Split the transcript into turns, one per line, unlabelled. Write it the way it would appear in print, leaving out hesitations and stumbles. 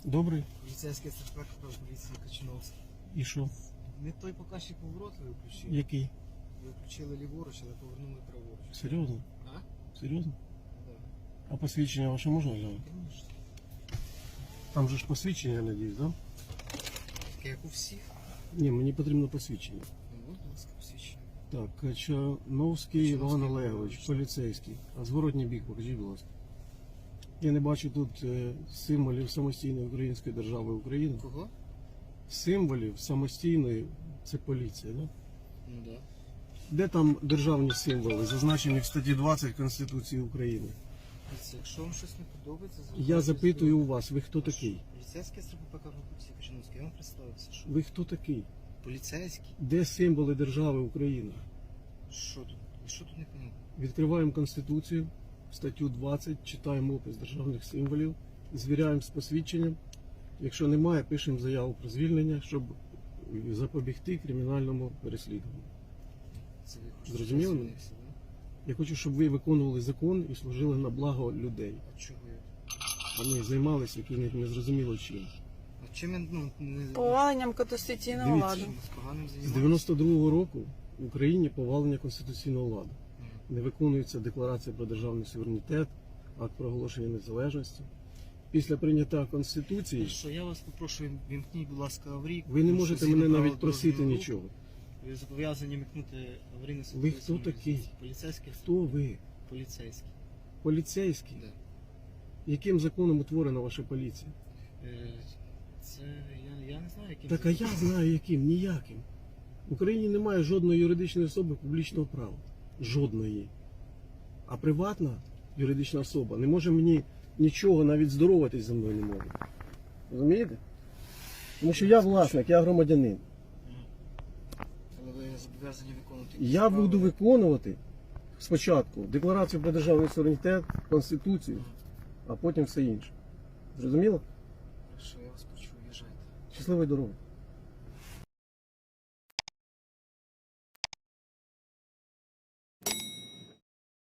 Добрий.
Поліцейський сертифікат поліції Качиновський.
І що?
Не той показчик поворот ви включили.
Який?
Ви включили ліворуч, але повернули праворуч.
Серйозно?
А?
Серйозно?
Так.
А посвідчення ваше можна глянути?
Звісно.
Там же ж посвідчення, я надіюсь, так? Да?
Таке як у всіх.
Ні, мені потрібно посвідчення.
Ну, будь ласка, посвідчення.
Так, Качановський Іван Олегович, поліцейський. А зворотній бік, покажіть, будь ласка. Я не бачу тут символів самостійної української держави України.
Кого?
Символів самостійної, це поліція, так? Да?
Ну так. Да.
Де там державні символи, зазначені в статті 20 Конституції України?
Дивіться, якщо вам щось не подобається,
Я запитую у вас, ви хто такий?
Поліцейський СРПП поліції Качиновський. Я вам представився. Що?
Ви хто такий?
Поліцейський?
Де символи держави України?
Що тут? І що тут не понятно?
Відкриваємо Конституцію, статтю 20, читаємо опис державних символів, звіряємо з посвідченням. Якщо немає, пишемо заяву про звільнення, щоб запобігти кримінальному переслідуванню.
Це ви хочете,
Зрозуміло
щоб я
мене?
звільнився, да?
Я хочу, щоб ви виконували закон і служили на благо людей,
А чого я?
а не займалися якимось незрозуміло чим.
А чим я, ну, не...
Поваленням конституційного
Дивіться.
ладу.
З поганим
З
займаюся?
92-го року в Україні повалення конституційного ладу.
Мгм.
Не виконується декларація про державний суверенітет, акт про оголошення незалежності. Після прийняття Конституції
Що я вас попрошу, вімкніть, будь ласка, аварійку.
ви не
тому
можете
що згідно
мене
правил
навіть просити
дорожнього руху,
нічого.
Ви зобов'язані вмикнути аварійне
Ви
світло.
хто такий?
Поліцейський?
Хто ви?
Поліцейський.
Поліцейський?
Да.
Яким законом утворена ваша поліція?
Це я не знаю, яким.
Так а я знаю яким, ніяким. В Україні немає жодної юридичної особи публічного права. Жодної. А приватна юридична особа не може мені нічого, навіть здороватись зі мною не може. Розумієте? Тому що я власник, я громадянин.
Але ви зобов'язані виконувати.
Я буду виконувати спочатку декларацію про державний суверенітет, Конституцію, а потім все інше. Зрозуміло?
Що я вас почув, їжджайте.
Щасливої дороги.